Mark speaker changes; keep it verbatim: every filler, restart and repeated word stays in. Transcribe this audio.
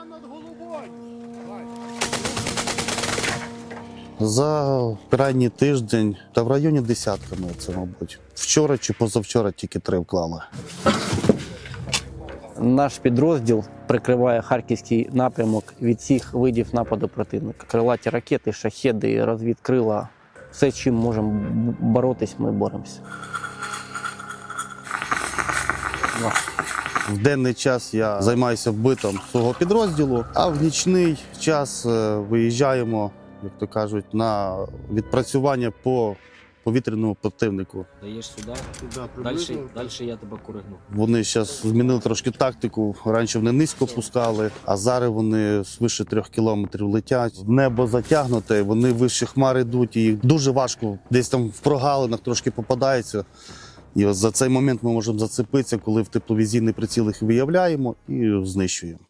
Speaker 1: За крайній тиждень та в районі десятками це, мабуть. Вчора чи позавчора тільки три вклали.
Speaker 2: Наш підрозділ прикриває харківський напрямок від всіх видів нападу противника. Крилаті ракети, шахеди, розвідкрила. Все, чим можемо боротись, ми боремося.
Speaker 1: В денний час я займаюся вбитом свого підрозділу, а в нічний час е, виїжджаємо, як то кажуть, на відпрацювання по повітряному противнику.
Speaker 3: Даєш сюди, далі, далі я тебе коригну.
Speaker 1: Вони зараз змінили трошки тактику. Раніше вони низько пускали, а зараз вони свише трьох кілометрів летять. Небо затягнуте, вони вище хмар йдуть, і їх дуже важко. Десь там в прогалинах трошки попадається. І ось за цей момент ми можемо зацепитися, коли в тепловізійний приціл їх виявляємо і знищуємо.